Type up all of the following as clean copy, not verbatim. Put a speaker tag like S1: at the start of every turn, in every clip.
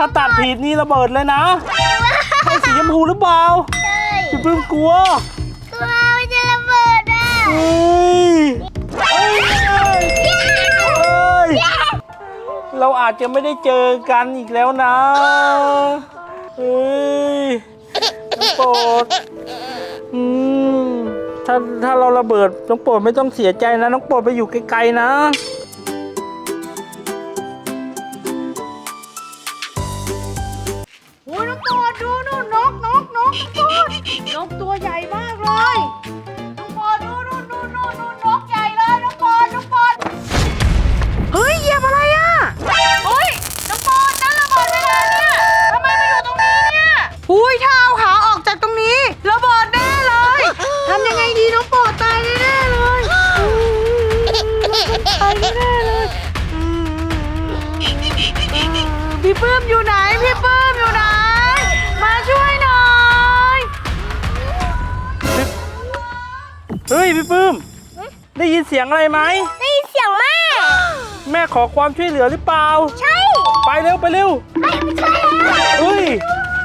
S1: ถ้าตัดผิดนี่ระเบิดเลยนะใช่สีชมพูหรือเปล่า
S2: ใช่
S1: พี่ปื้มกลัว
S2: มันจะระเบิดอ่ะ
S1: เฮ้ยเราอาจจะไม่ได้เจอกันอีกแล้วนะเฮ้ยน้องโปรดถ้าเราระเบิดน้องโปรดไม่ต้องเสียใจนะน้องโปรดไปอยู่ไกลๆนะ
S3: โอ้ยน้องโปรดดูนู่นนกน้องโปรดนกตัวใหญ่มากเลยน้องโปรดดูนู่นนกใหญ่เลยน้องโปรดเฮ้ยเหยียบอะไรอ่ะเฮ้ยน้องโปรดนั่นระเบิดเวลาเนี่ยทำไมมาอยู่ตรงนี้เนี่ยอุ้ยถ้าเอาขาออกจากตรงนี้ระเบิดแน่เลยทำยังไงดีน้องโปรดตายแน่เลยตายแน่เลยพี่ปื้มอยู่ไหนพี่ปื้มอยู่ไหนมาช่วยหน่อย
S1: เฮ้ยพี่ปื้มได้ยินเสียงอะไรไหม
S2: ได้ยินเสียงแม่
S1: แม่ขอความช่วยเหลือหรือเปล่า
S2: ใช่
S1: ไปเร็ว
S2: ไม่ใช่แล้ว
S1: เฮ้ย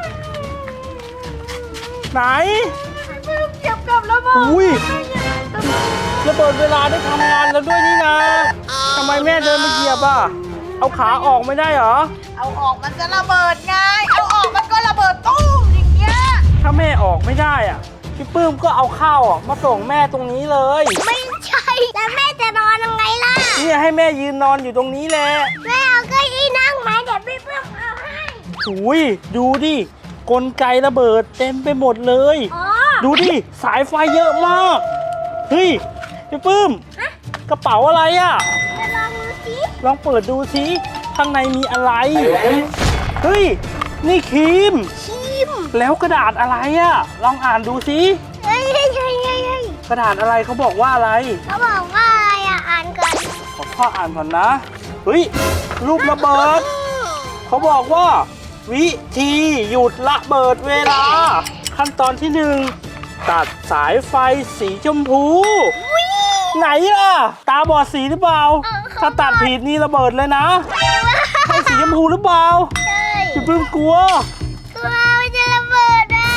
S1: ไหน
S3: เก็บกับระเบิด
S1: อุ้ยระเบิดเวลาได้ทำงานแล้วด้วยนี่นะทำไมแม่เดินมาเหยียบอ่ะเอาขาออกไม่ได้เหรอ
S3: เอาออกมันจะระเบิดไงเอาออกมันก็ระเบิดตู้มอย่างเงี้ย
S1: ถ้าแม่ออกไม่ได้อ่ะพี่ปื้มก็เอาข้าวมาส่งแม่ตรงนี้เลย
S2: ไม่ใช่แล้วแม่จะนอนยังไงล่ะ
S1: เนี่ยให้แม่ยืนนอนอยู่ตรงนี้แหละ
S2: แม่เอาเก้าอี้นั่งไหมเดี๋ยวพี่เพิ่มเอาให้
S1: อุ้ยดูดิกลไกระเบิดเต็มไปหมดเลยดูดิสายไฟเยอะมากเฮ้ยพี่ปื้มกระเป๋าอะไรอ่ะ
S2: จะลองดูสิ
S1: ลองเปิดดูสิข้างในมีอะไรเฮ้ยนี่ครีมแล้วกระดาษอะไรอ่ะลองอ่านดูสิ
S2: เฮ้ย
S1: กระดาษอะไรเขาบอกว่าอะไร
S2: เขาบอกว่าอะไรอ่ะอ่านก่อน
S1: ขอพ่ออ่านก่อนนะเฮ้ยรูประเบิดเขาบอกว่าวิธีหยุดระเบิดเวลาขั้นตอนที่1ตัดสายไฟสีชมพูไหนอ่ะตาบอดสีหรือเปล่าถ้าตัดผิดนี่ระเบิดเลยนะใช่สีชมพูหรือเปล่า
S2: ใช่
S1: พี่ปื้มกลัว
S2: มันจะระเบิดอ่ะ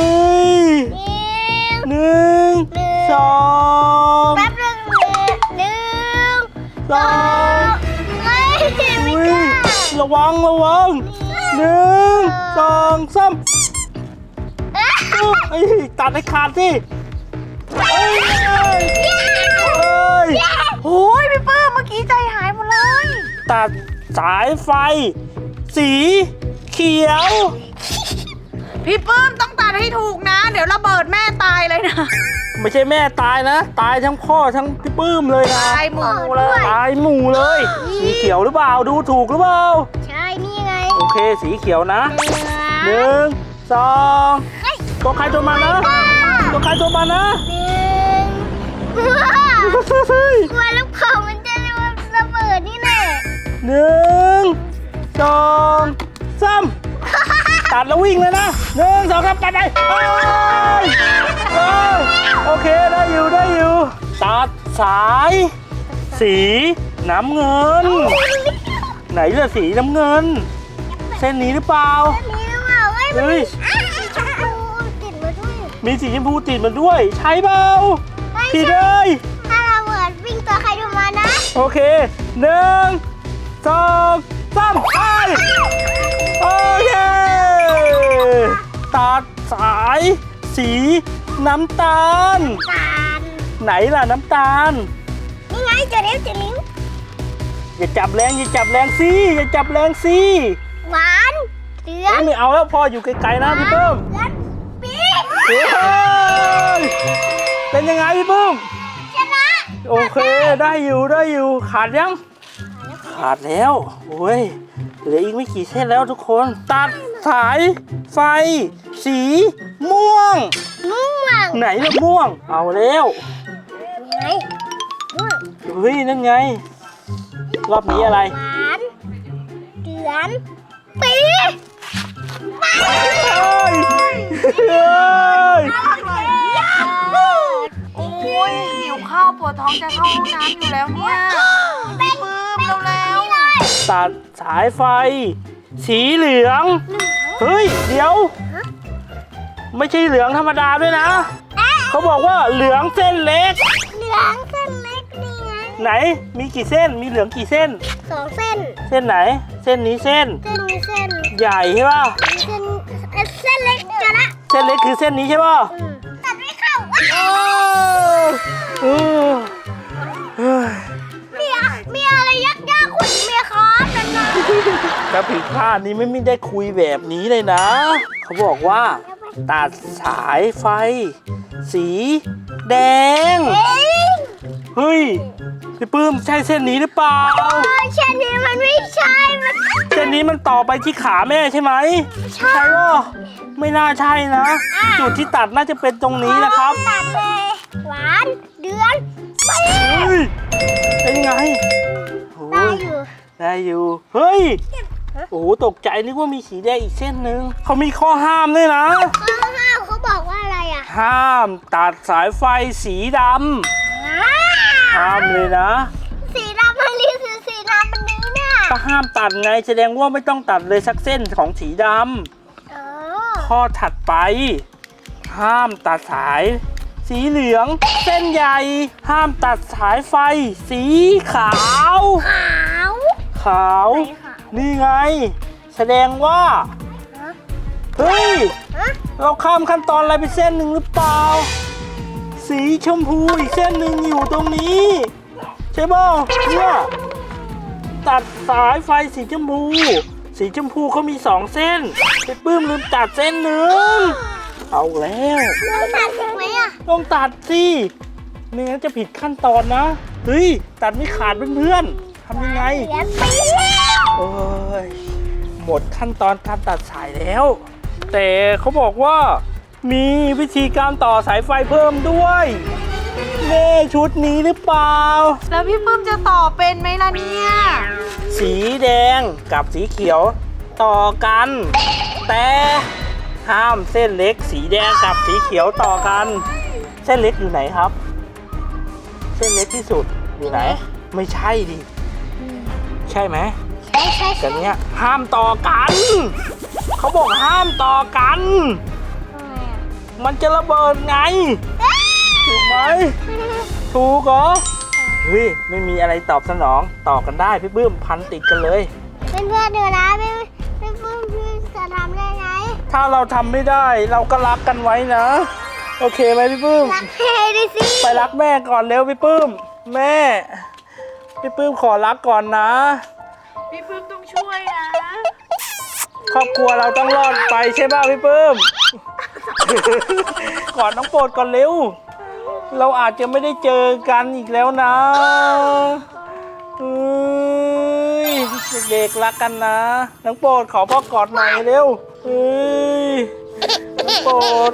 S1: หนึ่งสอง
S2: แป๊บนึง
S1: สอง
S2: ไม่กล้า
S1: ระวัง1 2 3ตัดให้ขาดสิ
S3: โอ้ยพี่ปื้มเมื่อกี้ใจหายหมดเลย
S1: ตัดสายไฟสีเขียว
S3: พี่ปื้มต้องตัดให้ถูกนะเดี๋ยวระเบิดแม่ตายเลยนะ
S1: ไม่ใช่แม่ตายนะตายทั้งพ่อทั้งพี่ปื้มเลยนะ
S3: ตายหมู่เลย
S1: ตายหมู่เลยสีเขียวหรือเปล่าดูถูกหรือเปล่า
S2: ใช่นี่ไง
S1: โอเคสีเขียวนะ1 2ตัวใครตัวมันนะตัวใครตัวมันนะ
S2: กลัวลูกเขามันจะระเบิดนี่แน่
S1: 1 2 3ตัดแล้ววิ่งเลยนะ1 2 3ไปโอเคได้อยู่ตัดสายสีน้ำเงินไหนล่ะสีน้ำเงินเส้นนี้หรือเปล่าเฮ้ยมีสีชมพูติดมาด้วยใช่เปล่าผิดเลย
S2: ถ้าเราเหมือนวิ่งตัวใครดูมานะ
S1: โอเค1 2 3ไปโอเคตัดสายสีน้ำตาลไหนล่ะน้ำตาล
S2: นี่ไงจะเลี้ยว
S1: อย่าจับแรงสิ
S2: หวานเดือด
S1: ไม่เอาแล้วพ่ออยู่ไกลๆนะพี่ปื้มเป็นยังไงพี่ปื้ม
S2: ชนะ
S1: โอเคได้อยู่ขาดยังขาดแล้วโอ้ยเหลืออีกไม่กี่เส้นแล้วทุกคนตัดสายไฟสีม่วงไหนล่ะม่วงเอาแล้วเฮ้ยนั่นไงรอบนี้อะไร
S2: หวานเดือนปี
S3: โอ้ยหิวข้าวปวดท้องจะเข้าห้องน้ำอยู่แล้วเนี่ยปื้มเร็ว
S1: ตัดสายไฟสีเหลือง เฮ้ย เดี๋ยว ไม่ใช่เหลืองธรรมดาด้วยนะ เขาบอกว่าเหลืองเส้นเล็ก
S2: เหลืองเส้นเล็กนี่ไง
S1: ไหน มีกี่เส้น มีเหลืองกี่เส้น
S2: 2 เส้น
S1: เส้นไหน เส้นนี้เส้น
S2: เส้นนี้เส้น
S1: ใหญ่ใช่ป่ะ
S2: เส้นเล็กเดี๋ยวนะ
S1: เส้นเล็กคือเส้นนี้ใช่ป่ะ
S2: ตัดไม่เข้า
S1: เออเฮ้ย
S2: มีอะไรยากๆคุณเมียครับนั่นนะ
S1: ถ้าผิดพลาดนี้ไม่ได้คุยแบบนี้เลยนะ เขาบอกว่า ตัดสายไฟ สีแดง เฮ้ย พี่ปื้มใช่เส้นนี้หรือเปล่า
S2: เช่นนี้มันไม่ใช่มัน
S1: เส้นนี้มันต่อไปที่ขาแม่ใช่ไหม
S2: ใช่
S1: ป่ะไม่น่าใช่นะ จุดที่ตัดน่าจะเป็นตรงนี้นะครับ
S2: ตัดเลยหวานเดือนไป
S1: เฮ้ย เป็นไงโอ้
S2: ได้
S1: ย
S2: อยู่
S1: ได้อยู่ เฮ้ย โอ้โหตกใจนึกว่ามีสีแดงอีกเส้นหนึ่ง เขามีข้อห้ามด้วยนะ
S2: ข้าวเขาบอกว่าอะไรอ่ะ
S1: ห้ามตัดสายไฟสีดำ ห้ามเลยนะ
S2: สีดำมันรีคือสีดำมันนี้เนี่ย
S1: ก็ห้ามตัดไงแสดงว่าไม่ต้องตัดเลยสักเส้นของสีด
S2: เออ
S1: ำ ข้อถัดไป ห้ามตัดสาย สีเหลือง เส้นใหญ่ ห้ามตัดสายไฟ สีขาว
S2: ขาว
S1: ขาว
S2: ไหนขาว
S1: นี่ไง แสดงว่า เฮ้ย
S2: ฮะ
S1: เราข้ามขั้นตอนอะไรไปเส้นหนึ่งหรือเปล่า สีชมพูอีกเส้นหนึ่งอยู่ตรงนี้ ใช่ป่ะเนี่ยตัดสายไฟสีชมพู สีชมพูเขามี2 เส้นไปปื้มลืมตัดเส้นหนึ่งเอาแล้ว
S2: เราตัดถูกไหมอ่ะ
S1: ต้องตัดสิไม่งั้นจะผิดขั้นตอนนะ เฮ้ย ตัดไม่ขาดเพื่อนๆทำยังไง
S2: เสียปีแล้ว
S1: โอ้ยหมดขั้นตอนการตัดสายแล้ว แต่เขาบอกว่ามีวิธีการต่อสายไฟเพิ่มด้วยเน่ชุดนี้หรือเปล่า
S3: แล้วพี่ปื้มจะต่อเป็นไหมล่ะเนี่ย
S1: สีแดงกับสีเขียวต่อกัน แต่ห้ามเส้นเล็กสีแดงกับสีเขียวต่อกัน เส้นเล็กอยู่ไหนครับ เส้นเล็กที่สุดอยู่ไหน ไม่ใช่ดิใช่ไหม
S2: ใช่ใช่
S1: กันเนี้ยห้ามต่อกัน เขาบอกห้ามต่อกัน มันจะระเบิดไง ถูกไหม ถูกเหรอ เฮ้ย ไม่มีอะไรตอบสนอง ต่อกันได้พี่ปื้มพันติดกันเลย
S2: เพื่อนๆดูนะพี่ปื้มพี่จะทำได้ไง
S1: ถ้าเราทำไม่ได้เราก็รักกันไว้นะ โอเคไหมพี่ปื้ม
S2: รักเท่ดิสิ
S1: ไปรักแม่ก่อนเร็วพี่ปื้ม แม่ พี่ปื้มขอรักก่อนนะ
S3: พี่ปื้มต้องช่วยนะ
S1: ครอบครัวเราต้องรอดไปใช่ป่ะพี่ปื้ม กอดน้องโปรดก่อนเร็ว เราอาจจะไม่ได้เจอกันอีกแล้วนะเอ้ยเด็กๆรักกันนะน้องโปรดขอพ่อกอดหน่อยเร็วเอ้ยน้องโปรด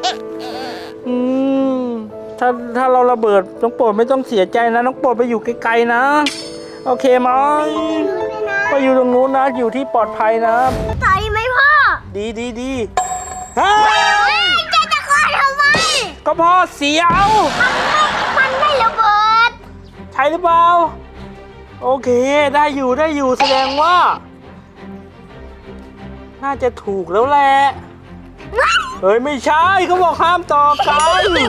S1: ถ้าเราระเบิดน้องโปรดไม่ต้องเสียใจนะน้องโปรดไปอยู่ไกลๆนะ โอเคไหมไปอยู่ตรงนู้นนะอยู่ที่ปลอดภัยนะ
S2: ต่อยไหมพ่อ
S1: ดีเฮ้ย
S2: จะคอยทำไม
S1: ก็พอเสียว
S2: มันไม่ระเบิด
S1: ใช่หรือเปล่า โอเคได้อยู่แสดงว่า น่าจะถูกแล้วแหละ เฮ้ย ไม่ใช่เขาบอกห้ามต่อกัน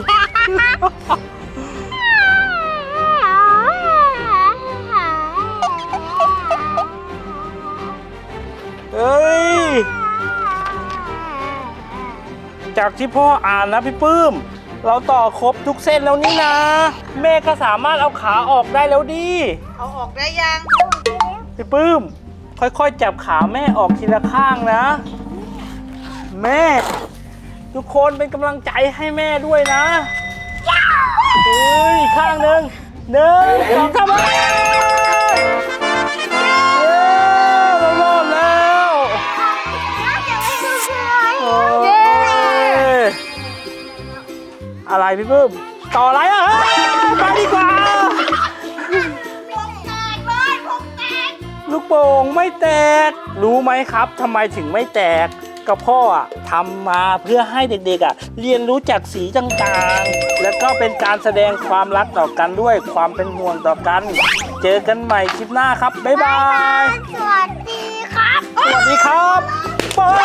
S1: เฮ้ย จากที่พ่ออ่านนะพี่ปื้ม เราต่อครบทุกเส้นแล้วนี่นะ แม่ก็สามารถเอาขาออกได้แล้วดิ
S3: เอาออกได้ยัง
S1: พี่ปื้ม ค่อยๆจับขาแม่ออกทีละข้างนะ แม่ ทุกคนเป็นกำลังใจให้แม่ด้วยนะเฮ้ยข้างหนึ่ง2 3เรารอดแล้วโอ้ยอะไรพี่ปื้ม ต่ออะไรอ่ะเฮ้ยไปดีกว่า ลูกโป่งไม่แตก รู้ไหมครับทำไมถึงไม่แตกก็พ่ออะทำมาเพื่อให้เด็กๆเรียนรู้จากสีต่างๆ แล้วก็เป็นการแสดงความรักต่อกันด้วยความเป็นห่วงต่อกัน เจอกันใหม่คลิปหน้าครับ บ๊ายบาย
S2: สวัสดีค่ะ
S1: สวัสดีครับ ไป